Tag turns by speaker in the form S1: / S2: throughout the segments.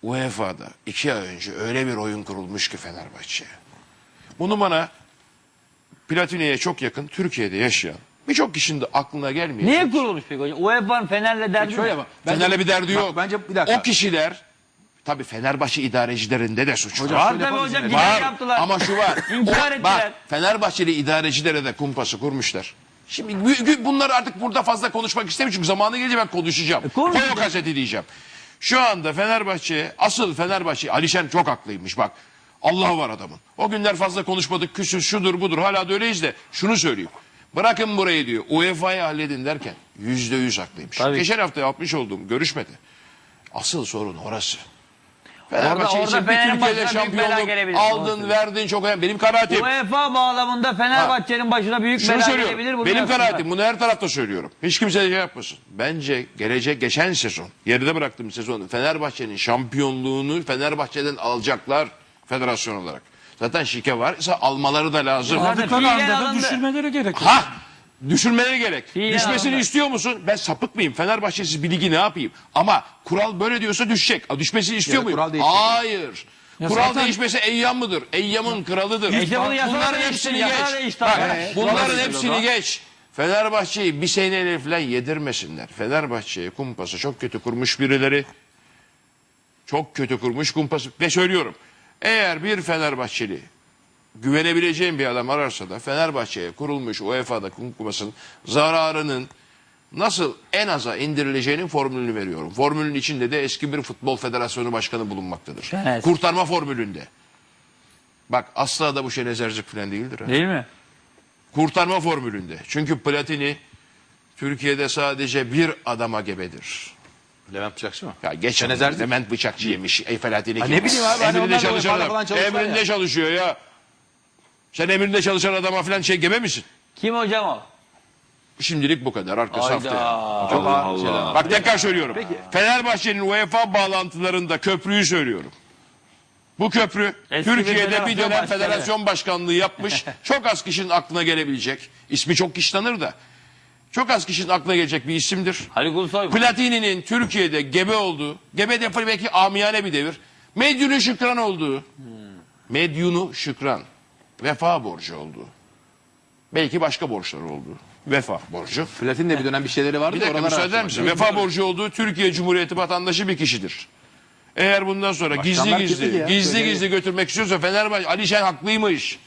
S1: UEFA'da 2 ay önce öyle bir oyun kurulmuş ki Fenerbahçe'ye. Bunu bana Platini'ye çok yakın Türkiye'de yaşayan birçok kişinin de aklına gelmiyor.
S2: Niye kurulmuş peki hocam? UEFA'nın Fener'le derdi
S3: Şöyle
S2: ne?
S3: bak.
S1: Fener'le bir derdi yok.
S3: Bence bir dakika.
S1: O kişiler tabii Fenerbahçe idarecilerinde de suç
S3: Hocam,
S1: var.
S2: Var
S3: şöyle
S2: tabii
S3: yapalım
S2: hocam,
S3: yine.
S2: gider
S1: Var
S2: yaptılar.
S1: ama şu var.
S2: İnkar ettiler.
S1: Bak Fenerbahçeli idarecilere de kumpası kurmuşlar. Şimdi bunları artık burada fazla konuşmak istemiyorum çünkü zamanı gelince ben konuşacağım.
S2: Konuş.
S1: Koy o kaseti diyeceğim. Şu anda Fenerbahçe, asıl Fenerbahçe, Alişen çok haklıymış bak. Allah var adamın. O günler fazla konuşmadık, küsür, şudur budur, hala da öyleyiz de şunu söyleyeyim. Bırakın burayı diyor, UEFA'yı halledin derken %100 haklıymış.
S2: Tabii.
S1: Geçen hafta yapmış olduğum görüşmede. Asıl sorun orası. Fenerbahçe
S2: Orada
S1: için bir
S2: Fener'in
S1: Türkiye'de
S2: başına büyük bela
S1: şampiyonluk
S2: gelebilir.
S1: aldın, verdin çok önemli. Benim kanaatim.
S2: UEFA bağlamında Fenerbahçe'nin başına büyük
S1: Şunu
S2: bela
S1: söylüyorum.
S2: gelebilir. Bunu
S1: Benim
S2: yapsınlar.
S1: kanaatim. Bunu her tarafta söylüyorum. Hiç kimse de şey yapmasın. Bence geçen sezon, geride bıraktığım sezon Fenerbahçe'nin şampiyonluğunu Fenerbahçe'den alacaklar federasyon olarak. Zaten şike varsa almaları da lazım.
S2: Zaten
S4: Aldıkları
S2: fiilen
S4: anda da
S2: alındı.
S4: düşürmeleri gerekiyor.
S1: Ha! Düşürmeleri gerek.
S2: Fiilen
S1: Düşmesini
S2: alındı.
S1: istiyor musun? Ben sapık mıyım? Fenerbahçe'siz bir ligi ne yapayım? Ama kural böyle diyorsa düşecek. Düşmesini istiyor
S3: Ya da
S1: muyum?
S3: kural değişecek.
S1: Hayır.
S4: Ya
S1: Kural
S4: zaten-
S1: değişmesi eyyam mıdır? Eyyamın kralıdır.
S2: İşte bunu yasalar
S1: Bunların
S2: değişti,
S1: hepsini
S2: yasalar
S1: geç.
S2: değişti
S1: Bak,
S2: arkadaş.
S1: bunların
S3: Kural
S1: hepsini
S3: değişti
S1: geç. Fenerbahçe'yi bir seneyle falan yedirmesinler. Fenerbahçe'ye kumpası çok kötü kurmuş birileri. Çok kötü kurmuş kumpası. Ve söylüyorum. Eğer bir Fenerbahçeli güvenebileceğim bir adam ararsa da Fenerbahçe'ye kurulmuş UEFA'da kumpasının zararının nasıl en aza indirileceğinin formülünü veriyorum. Formülün içinde de eski bir futbol federasyonu başkanı bulunmaktadır.
S2: Evet.
S1: Kurtarma formülünde. Bak asla da bu şey nezercik falan değildir. Ha.
S2: Değil mi?
S1: Kurtarma formülünde. Çünkü Platini Türkiye'de sadece bir adama gebedir.
S3: Levent Bıçakçı mı?
S1: Ya geç onu.
S3: Nezercik.
S1: Levent Bıçakçı yemiş. Platini
S3: Ha,
S1: kim?
S3: ne bileyim abi, hani
S1: Emrinde
S3: onlar da
S1: çalışan
S3: UEFA'da
S1: adam.
S3: falan çalışıyorlar
S1: Emrinde
S3: ya.
S1: çalışıyor ya. Sen emrinde çalışan adama falan gebe misin?
S2: Kim hocam o?
S1: Şimdilik bu kadar. Arkası
S2: Hayda.
S1: haftaya.
S3: Çok ağır şeyler.
S1: Bak tekrar söylüyorum. Fenerbahçe'nin UEFA bağlantılarında köprüyü söylüyorum. Bu köprü
S2: Eski bir
S1: Türkiye'de bir
S2: federasyon
S1: dönem
S2: başkanı.
S1: federasyon başkanlığı yapmış. Çok az kişinin aklına gelebilecek. İsmi çok kişi tanır da. Çok az kişinin aklına gelecek bir isimdir.
S2: Haluk Ulusoy mu?
S1: Platini'nin Türkiye'de gebe olduğu, gebe de belki amiyane bir devir. Medyunu Şükran olduğu, medyunu Şükran, vefa borcu olduğu. Belki başka borçları olduğu. Vefa borcu.
S3: Platin'le bir dönem bir şeyleri vardı.
S1: Bir dakika
S3: oralara
S1: müsaade eder misin? Vefa borcu olduğu Türkiye Cumhuriyeti vatandaşı bir kişidir. Eğer bundan sonra
S3: Başkanlar kimdi ya?
S1: gizli götürmek istiyorsa Fenerbahçe, Alişen haklıymış.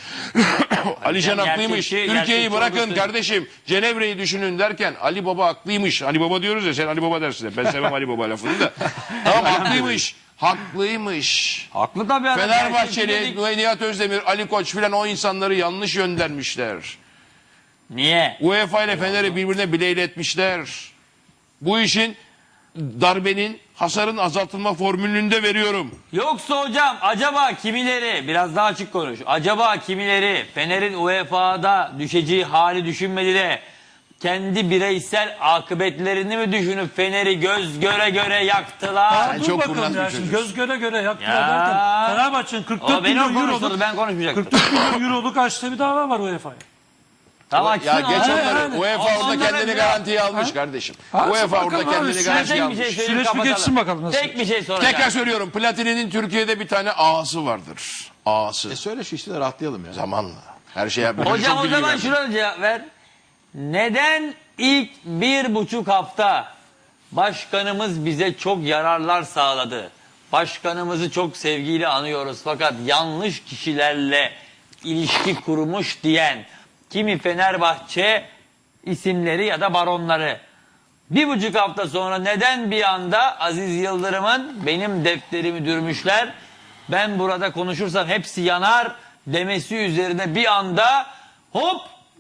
S1: Alişen haklıymış.
S2: gerçekçi,
S1: Türkiye'yi
S2: gerçekçi
S1: bırakın
S2: olursa-
S1: kardeşim. Cenevre'yi düşünün derken Ali Baba haklıymış. Ali Baba diyoruz ya, sen Ali Baba dersin. Ben sevmem Ali Baba lafını da. Tamam haklıymış. Haklıymış.
S2: Haklı tabii adam. Gerçekçi
S1: Fenerbahçeli,
S2: dedik.
S1: Nihat Özdemir, Ali Koç filan o insanları yanlış göndermişler.
S2: Niye?
S1: UEFA ile Fener'i birbirine bileyle etmişler. Bu işin darbenin, hasarın azaltılma formülünü de veriyorum.
S2: Yoksa hocam acaba kimileri, biraz daha açık konuş. Acaba kimileri Fener'in UEFA'da düşeceği hali düşünmedi de kendi bireysel akıbetlerini mi düşünüp Fener'i göz göre göre yaktılar?
S1: Sen
S4: Dur
S1: çok
S4: bakalım
S1: kurnaz
S4: ya
S1: bir
S4: şimdi
S1: çocuksun.
S4: göz göre yaktılar
S2: Ya.
S4: derken Fenerbahçe'nin 44
S2: O beni o
S4: milyon
S2: konuşturdu,
S4: euroluk
S2: ben konuşmayacaktım.
S4: 44 milyon euroluk açtığı bir dava var UEFA'ya.
S2: Tamam açsın
S1: Ya geç
S2: onu.
S1: onları.
S4: yani.
S1: UEFA orada
S2: Onları
S1: kendini
S2: ya.
S1: garantiye almış kardeşim.
S4: Ha,
S1: UEFA
S4: bakalım
S1: orada
S4: abi,
S1: kendini
S4: süreç
S1: garantiye
S2: Tek bir şey
S1: almış.
S2: söyleyeyim,
S4: Süreç bir
S2: kapatalım.
S4: geçsin bakalım nasıl.
S2: Tek bir şey soracağım.
S1: Tekrar söylüyorum. Platini'nin Türkiye'de bir tane ağası vardır. Ağası.
S3: Söyle şu işte de rahatlayalım ya.
S1: Zamanla. Her şeye
S2: Hocam o zaman şuna cevap ver. Neden ilk 1,5 hafta başkanımız bize çok yararlar sağladı? Başkanımızı çok sevgiyle anıyoruz fakat yanlış kişilerle ilişki kurmuş diyen kimi Fenerbahçe isimleri ya da baronları 1,5 hafta sonra neden bir anda Aziz Yıldırım'ın benim defterimi dürmüşler, ben burada konuşursam hepsi yanar demesi üzerine bir anda hop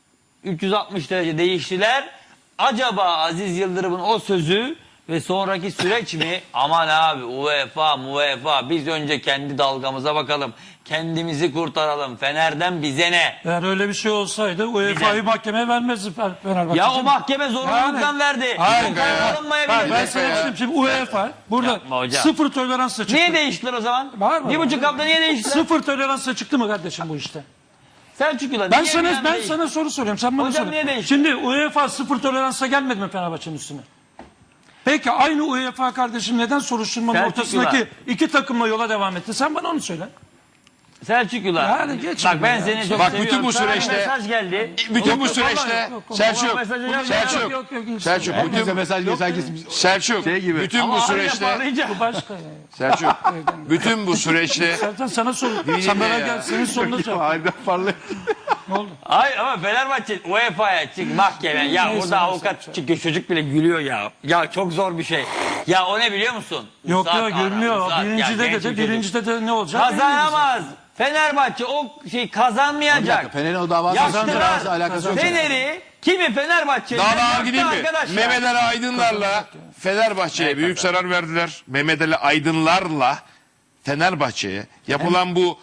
S2: 360 derece değiştiler. Acaba Aziz Yıldırım'ın o sözü ve sonraki süreç mi? Aman abi UEFA biz önce kendi dalgamıza bakalım. Kendimizi kurtaralım. Fener'den bize ne?
S4: Eğer öyle bir şey olsaydı UEFA'yı mahkemeye vermezdi Fenerbahçe.
S2: Ya o mahkeme zorunluluktan
S4: Yani.
S2: verdi.
S4: Hayır,
S2: Bu karar alınmayabilir.
S4: Ben sana söyleyeyim şimdi UEFA burada
S2: Yapma hocam.
S4: sıfır toleransla çıktı.
S2: Niye değiştiler o zaman?
S4: Var mı?
S2: 1,5 hafta niye değiştiler?
S4: Sıfır toleransla çıktı mı kardeşim bu işte?
S2: Selçuklular.
S4: Ben
S2: niye
S4: sana
S2: bir anda
S4: ben
S2: değişti?
S4: sana soru soruyorum. Sen bana
S2: Hocam
S4: sor.
S2: niye değişti?
S4: Şimdi UEFA sıfır toleransla gelmedi mi Fenerbahçe'nin üstüne? Peki aynı UEFA kardeşim neden soruşturmanın
S2: Selçuk
S4: ortasındaki
S2: Yılan.
S4: iki takımla yola devam etti? Sen bana onu söyle.
S2: Selçuklular.
S4: Yani geç
S2: Bak
S4: bunu
S2: ben
S4: ya.
S2: seni çok
S1: Bak,
S2: seviyorum.
S1: bütün bu
S2: Sana bir
S1: süreçte-
S2: mesaj geldi.
S1: Bütün bu
S4: Yok,
S1: süreçte
S4: vallahi yok, yok.
S1: Selçuk,
S2: Mesajı yok.
S1: Selçuk,
S4: Yok,
S1: Selçuk,
S3: Herkese
S1: bütün
S3: mesaj geliyor sanki
S1: Selçuk,
S3: Şey gibi.
S1: bütün
S2: Ama
S1: bu
S2: abi
S1: süreçte
S2: yaparlayınca-
S4: Bu başka ya.
S1: Selçuk, bütün bu süreçte
S4: Zaten sana sor.
S1: Dinle
S4: Sen bana
S1: ya.
S4: gel senin sonunda cevap.
S3: Harbiden parlıyor.
S4: Ne oldu?
S2: Hayır ama Fenerbahçe UEFA'ya çık mahkeme. Ya
S4: Neyse,
S2: burada
S4: neyse,
S2: avukat
S4: neyse.
S2: çıkıyor, çocuk bile gülüyor ya. Ya çok zor bir şey. Ya o ne biliyor musun?
S4: Yok
S2: Uzat
S4: ya
S2: ara,
S4: görünüyor.
S2: uzat. Ya
S4: Birincide
S2: genç
S4: de
S2: bir çocuk.
S4: birincide de ne olacak?
S2: Kazanamaz. Fenerbahçe o şey
S3: Bir
S2: kazanmayacak.
S3: dakika, Fener'in o davası
S2: Yaşlılar
S3: alakası yok.
S2: Fener'i kimi Fenerbahçe'nin
S1: daha da ağır
S2: yaktı
S1: gideyim mi?
S2: arkadaşlar.
S1: Mehmet Ali Aydınlar'la Fenerbahçe'ye büyük zarar verdiler. Mehmet Ali Aydınlar'la Fenerbahçe'ye yapılan bu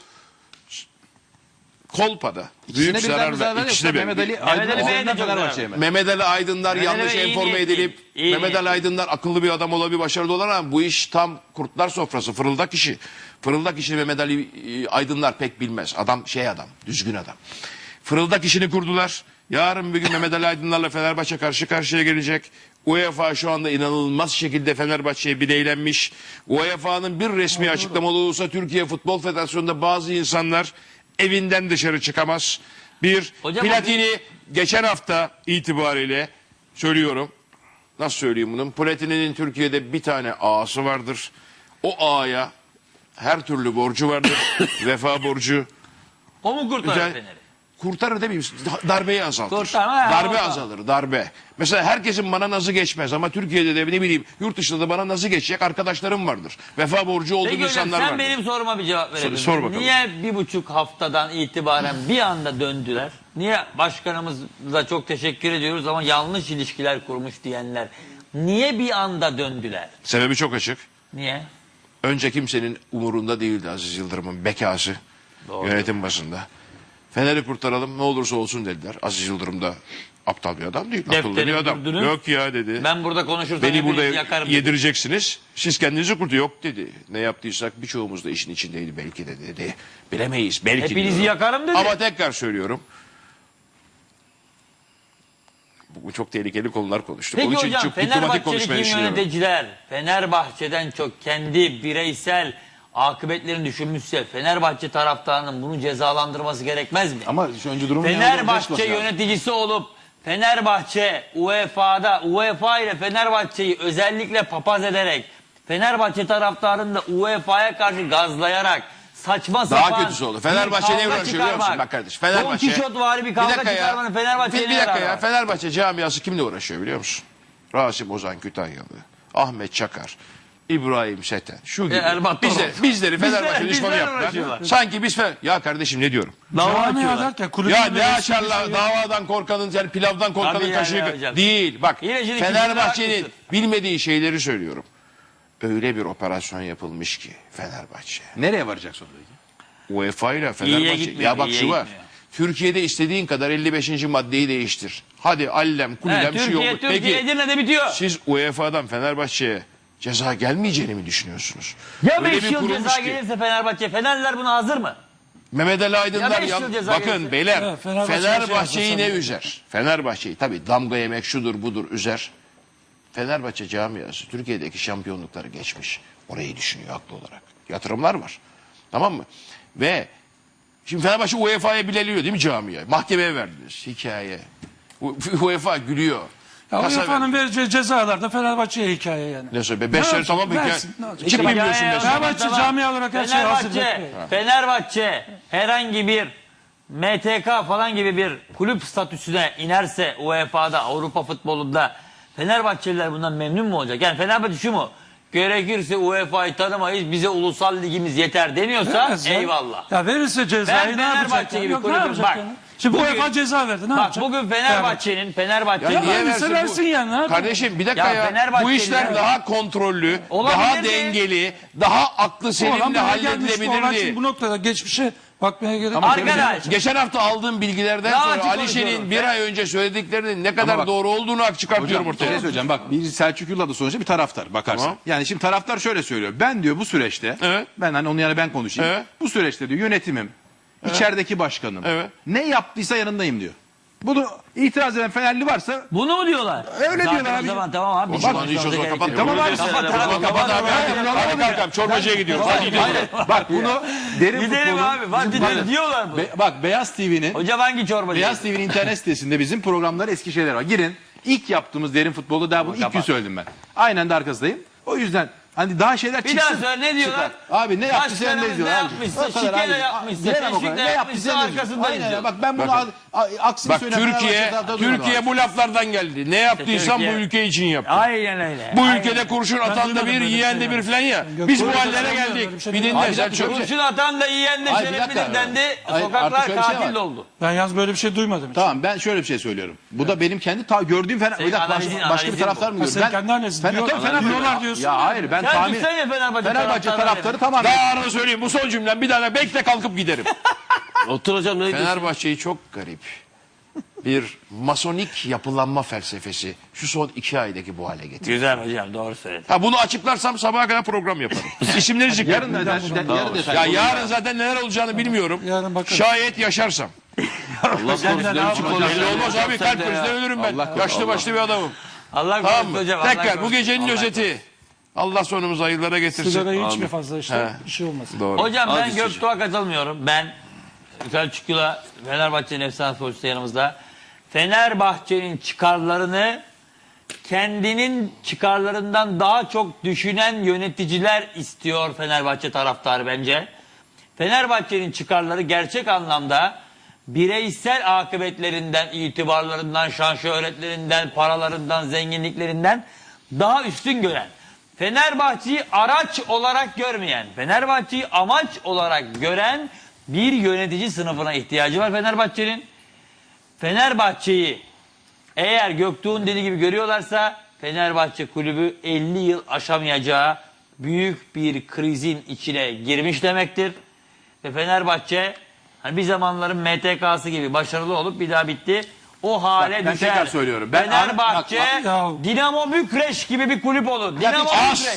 S1: kolpada büyük zarar ver. İkisine bir.
S3: Mehmet Ali
S2: Mehmet Ali
S3: Aydın
S2: Bey'e de çok
S3: Fenerbahçe'ye mi?
S1: Mehmet Ali Aydınlar
S2: Mehmet Ali
S1: yanlış
S2: Bey iyi
S1: enforme
S2: niyetli,
S1: edilip
S2: iyi
S1: Mehmet Ali
S2: niyetli.
S1: Aydınlar akıllı bir adam olabilir, başarılı olan ama bu iş tam kurtlar sofrası, fırıldak işi. Fırıldak işini Mehmet Ali Aydınlar pek bilmez. Adam adam, düzgün adam. Fırıldak işini kurdular. Yarın bir gün Mehmet Ali Aydınlar'la Fenerbahçe karşı karşıya gelecek. UEFA şu anda inanılmaz şekilde Fenerbahçe'ye bileylenmiş. UEFA'nın bir resmi açıklamalı olursa Türkiye Futbol Federasyonu'nda bazı insanlar evinden dışarı çıkamaz. Bir,
S2: Hocam,
S1: Platini geçen hafta itibariyle söylüyorum. Nasıl söyleyeyim bunu? Platini'nin Türkiye'de bir tane ağası vardır. O ağaya her türlü borcu vardır. Vefa borcu.
S2: O mu kurtarır
S1: Güzel.
S2: Fener'i?
S1: Kurtarır demeyeyim. Darbeyi azaltır.
S2: Kurtarma ya,
S1: Darbe
S2: orada.
S1: azalır. Darbe. Mesela herkesin bana nazı geçmez ama Türkiye'de de ne bileyim yurt dışında da bana nazı geçecek arkadaşlarım vardır. Vefa borcu olduğum
S2: Peki hocam
S1: insanlar
S2: sen
S1: vardır.
S2: benim soruma bir cevap verebilirsin.
S1: sor bakalım.
S2: Niye 1,5 haftadan itibaren bir anda döndüler? Niye başkanımıza çok teşekkür ediyoruz ama yanlış ilişkiler kurmuş diyenler? Niye bir anda döndüler?
S1: Sebebi çok açık.
S2: Niye?
S1: Önce kimsenin umurunda değildi Aziz Yıldırım'ın bekası
S2: Doğru.
S1: yönetim basında. Fener'i kurtaralım ne olursa olsun dediler. Aziz Yıldırım da aptal bir adam değil. Akıllı
S2: Defteri
S1: bir adam.
S2: durdunuz.
S1: Yok ya dedi.
S2: Ben burada konuşursam
S1: Beni burada
S2: hepinizi yakarım dedi.
S1: yedireceksiniz. Siz kendinizi kurtu. Yok dedi. Ne yaptıysak birçoğumuz da işin içindeydi belki de dedi. Bilemeyiz. Belki
S2: Hepinizi
S1: diyorum.
S2: yakarım dedi.
S1: Ama tekrar söylüyorum. Bu çok tehlikeli konular konuştuk.
S2: Peki
S1: Onun için
S2: hocam
S1: çok diplomatik konuşmayı
S2: Fenerbahçe'deki
S1: düşünüyorum.
S2: yöneticiler Fenerbahçe'den çok kendi bireysel akıbetlerini düşünmüşse Fenerbahçe taraftarının bunu cezalandırması gerekmez mi?
S3: Ama şu önce durumun
S2: Fenerbahçe yöneticisi olup Fenerbahçe UEFA ile Fenerbahçe'yi özellikle papaz ederek Fenerbahçe taraftarını da UEFA'ya karşı gazlayarak saçma
S1: Daha
S2: sapan
S1: kötüsü oldu.
S2: bir
S1: Fenerbahçe ne
S2: kavga
S1: uğraşıyor biliyor musun?
S2: çıkarmak.
S1: Bak kardeş.
S2: Don
S1: Fenerbahçe.
S2: Kişotvari bir kavga çıkarmanın Fenerbahçe'ye
S1: Bir
S2: ne
S1: dakika
S2: yararı
S1: ya.
S2: var?
S1: Fenerbahçe camiası kimle uğraşıyor biliyor musun? Rasim Ozan Kütahyalı, Ahmet Çakar, İbrahim Seten. Şu gibi.
S2: Erbat
S1: Bizleri Fenerbahçe düşmanı
S2: bizler
S1: yaptılar.
S2: uğraşıyorlar.
S1: Sanki biz ya kardeşim ne diyorum?
S2: Dava
S4: Cami
S2: açıyorlar.
S4: yazarken kulübün
S1: Ya ne
S4: resmi
S1: açarlar
S4: şey yok.
S1: davadan korkanın yani pilavdan korkanın
S2: Tabii yani
S1: kaşığı
S2: hocam.
S1: değil. Bak
S2: Yine şimdi
S1: Fenerbahçe'nin
S2: kimse de
S1: bilmediği şeyleri söylüyorum. Öyle bir operasyon yapılmış ki Fenerbahçe.
S3: Nereye varacak sonra?
S1: UEFA ile
S2: İyiye
S1: Fenerbahçe.
S2: gitmiyor,
S1: Ya bak
S2: iyiye
S1: şu var.
S2: gitmiyor.
S1: Türkiye'de istediğin kadar 55. maddeyi değiştir. Hadi allem kullem
S2: Evet,
S1: şey
S2: Türkiye,
S1: olur.
S2: Türkiye
S1: Peki
S2: Edirne'de bitiyor.
S1: siz UEFA'dan Fenerbahçe'ye ceza gelmeyeceğini mi düşünüyorsunuz?
S2: Ya
S1: Öyle
S2: 5
S1: bir
S2: yıl
S1: kurulmuş
S2: ceza
S1: ki.
S2: gelirse Fenerbahçe, Fenerliler buna hazır mı?
S1: Mehmet Ali Aydınlar
S2: Ya 5 yıl ceza
S1: bakın
S2: gelirse.
S1: beyler
S4: Evet, Fenerbahçe
S1: Fenerbahçe'yi
S4: şey
S1: ne
S4: yapsa
S1: üzer? Fenerbahçe'yi tabii damga yemek şudur budur üzer. Fenerbahçe camiası Türkiye'deki şampiyonlukları geçmiş. Orayı düşünüyor haklı olarak. Yatırımlar var. Tamam mı? Ve şimdi Fenerbahçe UEFA'ya bileliyor değil mi camiye? Mahkemeye verdiniz. Hikaye. UEFA gülüyor.
S4: Ya
S1: Kasa
S4: UEFA'nın vereceği cezalar da Fenerbahçe'ye hikaye yani.
S1: ne söyle? 5 sene
S4: olacak?
S1: tamam hikaye.
S4: Versin, ne olacak?
S1: Kim
S4: Hikaye
S1: biliyorsun
S2: ya.
S1: beş sene?
S4: Fenerbahçe cami olarak her şeyi hazır bekliyor.
S2: Fenerbahçe herhangi bir MTK falan gibi bir kulüp statüsüne inerse UEFA'da, Avrupa futbolunda Fenerbahçeliler bundan memnun mu olacak? Yani Fenerbahçe şu mu? Gerekirse UEFA'yı tanımayız, bize ulusal ligimiz yeter deniyorsa
S4: Vermez ya.
S2: eyvallah.
S4: Ya verirse cezayı
S2: Ben
S4: ne yapacak?
S2: Fenerbahçe
S4: ya?
S2: gibi
S4: Yok, ne
S2: kulübüm.
S4: yapacak
S2: Bak,
S4: yani? Şimdi
S2: bugün-
S4: UEFA ceza verdi ne
S2: Bak
S4: yapacak?
S2: bugün
S1: Ya
S2: Fenerbahçe'nin
S1: niye
S4: versin yani, ne yapayım?
S1: Kardeşim bir dakika
S2: Ya
S1: ya. Bu
S2: Fenerbahçeliler-
S1: işler daha kontrollü,
S2: Olabilirdi.
S1: daha dengeli, daha aklı
S4: Bu adam
S1: selimle
S4: buraya gelmiş, bu olay
S1: halledilebilirdi.
S4: şimdi bu noktada geçmişe bakmaya gerek yok.
S2: arkadaş
S1: Geçen hafta aldığım bilgilerden
S2: Daha
S1: sonra
S2: açık
S1: Alişe'nin
S2: konuşuyorum.
S1: bir ay önce söylediklerinin ne kadar
S3: bak-
S1: doğru olduğunu çıkartıyorum
S3: Hocam bir şey
S1: ortaya.
S3: söyleyeceğim. Bak bir Selçuk Yıl'la da sonuçta bir taraftar bakarsın.
S1: Tamam.
S3: Yani şimdi taraftar şöyle söylüyor. Ben diyor bu süreçte
S1: Evet.
S3: ben hani onun yerine ben konuşayım.
S1: Evet.
S3: Bu süreçte diyor yönetimim, içerideki başkanım
S1: Evet.
S3: ne yaptıysa yanındayım diyor. Bunu itiraz eden Fenerli varsa
S2: Bunu mu diyorlar?
S3: Öyle
S2: Zaten
S3: diyorlar
S2: o
S3: abi.
S2: zaman tamam abi.
S1: O zaman iş o zaman kapat.
S3: Tamam abi.
S1: Kapat abi. Hadi kalkalım. Çorbacıya gidiyoruz. Hadi gidiyoruz.
S3: Bak bunu derin
S2: Gidelim
S3: futbolun
S2: abi. Bak gidelim diyorlar bu.
S3: Bak Beyaz TV'nin
S2: Hocam hangi çorbacı?
S3: Beyaz TV'nin internet sitesinde bizim programlar eski şeyler var. Girin. İlk yaptığımız derin futbolda daha bunu ilk gün
S2: kapat.
S3: söyledim ben. Aynen de arkasındayım. O yüzden hani daha şeyler
S2: Bir
S3: çıksın.
S2: daha söyle ne diyorlar?
S3: Abi ne yaptıysa
S2: Başkanımız
S3: ne
S2: ne
S3: diyorlar?
S2: yapmışsa, şike de yapmışsa, teşvik de yapmışsa arkasındayız diyor.
S3: Bak ben bunu aksini
S1: Bak
S3: söyleyen
S1: Türkiye bu laflardan geldi. Ne yaptıysam bu
S2: Türkiye-
S1: ülke için yaptım.
S2: Aynen öyle.
S1: Bu
S2: Aynen.
S1: ülkede kurşun atan da
S4: duymadım
S1: bir,
S4: böyle bir
S1: yiyen
S4: şey
S1: de bir
S4: yani.
S1: falan ya.
S4: Ben
S1: Biz bu
S4: Göktuğ'u
S1: hallere
S4: duymadım,
S1: geldik.
S4: böyle bir şey
S1: Bir dinle
S4: duymadım.
S1: Selçuk.
S2: Kurşun atan da yiyen de
S3: Hayır, bir dakika.
S2: şereflidir dendi.
S3: Hayır,
S2: Sokaklar
S3: artık şöyle bir şey
S2: katil
S3: var.
S2: doldu.
S4: Ben yalnız böyle bir şey duymadım.
S3: Tamam ben şöyle bir şey söylüyorum. Bu da benim kendi gördüğüm Fener.
S2: Senin
S3: Bir dakika,
S2: analizin-
S3: başka bir
S2: analizin
S3: taraftar
S2: bu.
S3: mı
S4: Ha,
S3: gördüm?
S4: sen kendi analizin. Diyorlar diyorsun.
S3: Ya hayır ben
S2: Sen
S3: tahmin.
S2: düşsene Fenerbahçe
S3: Fenerbahçe taraftarı
S1: Daha arada söyleyeyim bu son cümlem bir daha bekle kalkıp giderim.
S5: Otur hocam ne diyorsun?
S1: Fenerbahçe'yi çok garip bir masonik yapılanma felsefesi şu son 2 aydaki bu hale getirdi.
S2: Güzel hocam doğru söyledin.
S1: Ha bunu açıklarsam sabaha kadar program yaparım. İsimleri
S3: Yarın
S1: zikredin.
S3: yarın detaylı.
S1: Ya yarın zaten neler olacağını bilmiyorum.
S4: Yarın bakarız.
S1: Şayet yaşarsam.
S5: Allah korusun ne biçim
S1: Belli
S5: konuşuyorsun?
S1: olmaz abi kalp krizinden ölürüm ben. Yaşlı başlı bir adamım.
S2: Allah
S1: Tamam
S2: korusun
S1: mı?
S2: hocam. Allah
S1: Tekrar bu
S2: korusun.
S1: gecenin
S2: Allah
S1: özeti. Allah sonumuzu hayırlara getirsin.
S4: Sigarayı içme fazla işte.
S1: He.
S4: Bir şey olmasın.
S1: Doğru.
S2: Hocam
S5: Az
S2: ben
S5: içeceğim.
S2: Göktuğ'a katılmıyorum. Ben Selçuklu'la Fenerbahçe'nin efsane sporcusu yanımızda. Fenerbahçe'nin çıkarlarını kendinin çıkarlarından daha çok düşünen yöneticiler istiyor Fenerbahçe taraftarı bence. Fenerbahçe'nin çıkarları gerçek anlamda bireysel akıbetlerinden, itibarlarından, şan şöhretlerinden, paralarından, zenginliklerinden daha üstün gören, Fenerbahçe'yi araç olarak görmeyen, Fenerbahçe'yi amaç olarak gören bir yönetici sınıfına ihtiyacı var Fenerbahçe'nin. Fenerbahçe'yi eğer Göktuğ'un dediği gibi görüyorlarsa Fenerbahçe kulübü 50 yıl aşamayacağı büyük bir krizin içine girmiş demektir. Ve Fenerbahçe hani bir zamanların MTK'sı gibi başarılı olup bir daha bitti. O hale
S3: Ben
S2: düşer.
S3: tekrar söylüyorum.
S2: Fenerbahçe
S4: bak ya.
S2: Dinamo Bükreş gibi bir kulüp olur. Dinamo Bükreş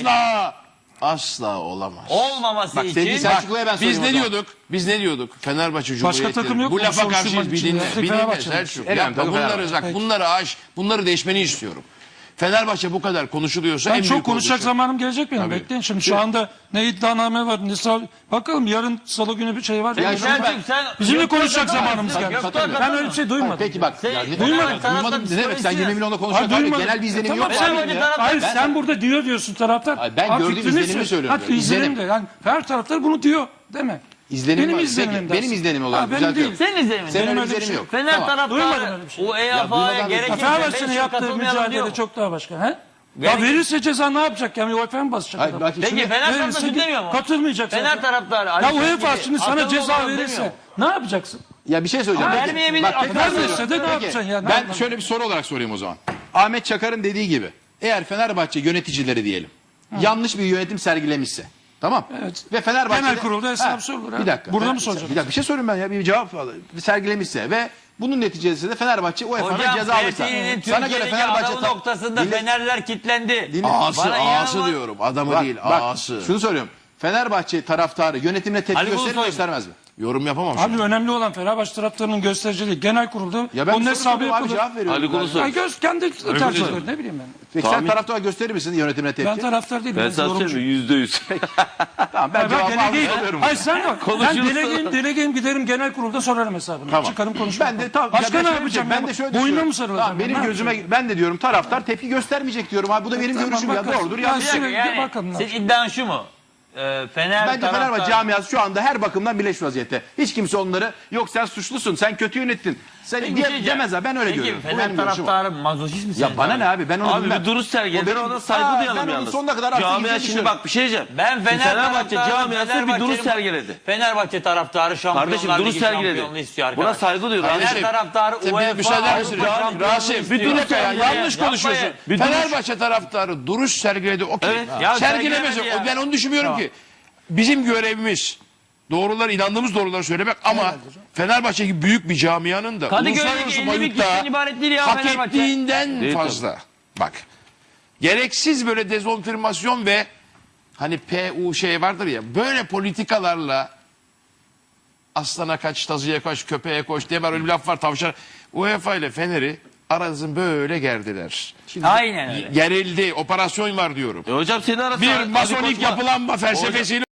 S1: Asla olamaz.
S2: olmaması
S3: Bak
S2: için
S3: sevgili Selçuklu'ya ben
S1: Biz
S3: söyleyeyim.
S1: ne
S3: o zaman.
S1: diyorduk? Biz ne diyorduk? Fenerbahçe Cumhuriyeti.
S4: takım yok
S1: Bu
S4: mu?
S1: lafa
S4: Soruşturma
S1: karşıyız bir
S4: için
S1: dinle.
S4: ya.
S1: Bir dinle
S4: Fenerbahçe.
S1: Selçuk.
S3: Evet,
S1: Yapma
S3: tabii
S1: bunları
S3: Fenerbahçe.
S1: bak bunları aş. Bunları değişmeni istiyorum. Fenerbahçe bu kadar konuşuluyorsa
S4: Ben
S1: en
S4: çok
S1: büyük
S4: konuşacak
S1: olduğu şey.
S4: zamanım gelecek benim.
S1: Tabii.
S4: Bekleyin şimdi şu anda ne iddianame var ne bakalım yarın salı günü bir şey var.
S3: Ya
S4: Yarın-
S3: şunu ben-
S2: Selçuk sen
S4: Bizim de
S2: Göktuğ'a
S4: konuşacak
S2: katılma.
S4: zamanımız geldi.
S2: Göktuğ'a
S4: Ben öyle bir şey duymadım.
S3: Peki bak.
S2: Sen-
S3: Ya,
S2: Duymadım.
S3: Duymadım. Ne demek sen 20 milyonla konuşuyorsun abi. Genel bir izlenim yok.
S4: Tamam,
S3: abi
S4: sen,
S3: ya.
S4: hayır
S2: Ben-
S4: sen burada diyorsun taraftar.
S3: Hayır, ben
S4: Hak
S3: gördüğüm
S4: fikrini
S3: izlenimi
S4: söyle.
S3: söylüyorum.
S4: Hak izlenim
S3: İzlenim.
S4: de. Yani her taraftar bunu diyor değil mi?
S3: İzlenim
S4: benim
S3: var.
S4: izlenimim
S3: Peki,
S4: dersin.
S3: benim izlenim olarak
S4: Ha, benim
S3: düzeltiyorum.
S4: değil.
S2: Senin izlemin.
S3: Senin öyle
S4: öyle bir
S3: izlenim
S4: şey
S3: yok.
S2: Fener
S3: Tamam.
S4: Duymadım
S2: taraftarı
S4: öyle bir şey.
S2: o EAFA'ya
S3: duymadan-
S2: gerekirse
S4: Fenerbahçe'nin
S2: 5 yıl
S4: yaptığı
S2: katılmayalım diyor.
S4: mücadele çok daha başka. He?
S2: Yani-
S4: Ya verirse ceza ne yapacak? Yani UEFA'ya mı basacak
S3: Hayır,
S4: adam?
S3: bak
S2: Peki
S3: şimdi-
S2: Fener
S4: Verirse
S2: taraftarı demiyor mu?
S4: Katılmayacak
S2: Fener
S4: zaten.
S2: taraftarı. Ali
S4: Ya
S2: Şen
S4: UEFA
S2: gibi
S4: şimdi sana
S2: akıllı
S4: ceza
S2: olalım demiyor
S4: verirse
S2: mu?
S4: ne yapacaksın?
S3: Ya bir şey söyleyeceğim.
S2: Ama
S3: Peki,
S2: vermeyebilir,
S3: bak, tekrar
S2: vermezse
S3: söylüyorum.
S4: de ne
S3: Peki,
S4: yapacaksın ya? Ne
S3: Ben
S4: yapacaksın?
S3: şöyle bir soru olarak sorayım o zaman. Ahmet Çakar'ın dediği gibi eğer Fenerbahçe yöneticileri diyelim yanlış bir yönetim sergilemişse tamam.
S4: Evet.
S3: Ve Fenerbahçe
S4: Genel kurulda hesap sorulur ha.
S3: Bir dakika.
S4: Burada mı soracak?
S3: Bir dakika bir şey sorayım ben ya bir cevap sergilemişse ve bunun neticesinde Fenerbahçe UEFA'dan
S2: Hocam
S3: ceza alırsa.
S2: Fethi'nin
S3: Sana göre
S2: Türkiye'deki
S3: Fenerbahçe
S2: adamı noktasında
S3: Dinle-
S2: Fenerler kitlendi.
S3: Dinle-
S1: Ağası,
S2: Bana
S1: ağası
S2: inanma.
S1: diyorum. Adamı
S3: Bak,
S1: değil,
S3: bak,
S1: ağası.
S3: şunu söylüyorum. Fenerbahçe taraftarı yönetimine tepki
S2: Ali
S3: gösterir mi
S2: Ulusoy.
S3: göstermez mi?
S1: Yorum yapamam
S4: Abi
S1: şimdi.
S4: önemli olan Fenerbahçe taraftarının göstericiliği. Genel kurulda
S3: Ya ben
S4: onun
S3: bir
S4: hesabı
S3: soru soruyorum abi
S4: yapılır.
S3: cevap veriyorum.
S5: Ali Kulusoy.
S4: Ya kendi tercih ediyor. Ne bileyim ben.
S3: Peki sen taraftar gösterir misin yönetimine tepki?
S4: Ben taraftar değilim.
S5: Ben sana
S4: yorumcuyum.
S5: söyleyeyim %100.
S3: Tamam ben
S4: Ben
S3: cevabımı
S4: delegeyim.
S3: alıyorum.
S4: Hayır sen de. Ben
S5: Konuşuruz.
S4: delegeyim giderim genel kurulda sorarım hesabını.
S3: Tamam.
S4: Çıkarım konuşmam.
S3: Ben de tamam.
S4: Başka
S3: ya
S4: ne
S3: ben
S4: yapacağım?
S3: Ben de şöyle
S4: Boynuna
S3: düşünüyorum.
S4: mı sarılacağım?
S3: Tamam, benim
S4: Ne
S3: gözüme
S4: yapacağım?
S3: ben de diyorum taraftar tepki göstermeyecek diyorum abi. Bu da benim
S4: Tamam,
S3: görüşüm ya.
S4: bakarız.
S3: Doğrudur
S4: Ya
S3: yanlış.
S4: şimdi-
S2: Yani
S4: bakalım.
S2: senin iddian şu mu? Fener
S3: Bence
S2: taraftarı-
S3: Fenerbahçe camiası şu anda her bakımdan birleşmiş vaziyette. Hiç kimse onları yok sen suçlusun, sen kötü yönettin. Sen
S2: Peki bir şey
S3: demez ha ben öyle
S2: Peki
S3: görüyorum. Bu
S2: Fener
S3: benim görüşüm o.
S2: taraftarı mazoşist mi?
S3: Ya
S2: senin
S3: bana
S2: abi?
S3: ne abi ben onu
S5: Abi
S3: bilmem.
S5: bir duruş
S3: O
S5: sergiledir
S3: benim-
S5: ona saygı
S3: Ha,
S5: duyalım
S3: ben onu
S5: yalnız.
S3: sonuna kadar aslında
S5: Camia
S3: izlediğimi
S5: şimdi bak bir şey diyeceğim.
S2: Ben Fener
S5: Fenerbahçe
S2: taraftarı-
S5: camiası bir duruş
S2: Fenerbahçe'nin-
S5: sergiledi.
S2: Fenerbahçe taraftarı Şampiyonlar
S5: Kardeşim duruş
S2: Ligi
S5: sergiledi.
S2: şampiyonluğu istiyor
S5: Buna
S2: arkadaşlar.
S5: saygı duyuyor.
S2: Fener
S5: Kardeşim.
S2: taraftarı
S1: Sen
S2: UEFA
S1: bir müsaade misin?
S2: Avrupa şampiyonluğu
S1: Rasim,
S2: istiyor.
S1: bir dakika ya.
S2: Yapmayın.
S1: Yanlış konuşuyorsun.
S5: Bir duruş-
S1: Fenerbahçe taraftarı duruş sergiledi. Okey.
S5: Evet.
S2: Ya
S1: Sergilemez.
S2: sergilemedi ya.
S1: Ben onu düşünmüyorum ki. Bizim görevimiz doğruları, inandığımız doğruları söylemek ama Fenerbahçe gibi büyük bir camianın da
S2: Kadıköy'deki
S1: uluslararası
S2: 50 bin
S1: boyutta
S2: kişiden ibaret değil ya
S1: hak
S2: Fenerbahçe.
S1: ettiğinden
S5: Değil
S1: fazla. Bak. Gereksiz böyle dezenformasyon ve hani PU şey vardır ya böyle politikalarla aslana kaç, tazıya kaç, köpeğe koş diye var öyle bir laf var tavşan. UEFA ile Fener'i arasını böyle gerdiler.
S2: Aynen öyle.
S1: Gerildi. Operasyon var diyorum.
S5: Hocam seni arasın.
S1: Bir
S5: Ali
S1: masonik
S5: Koç'la-
S1: yapılanma felsefesiyle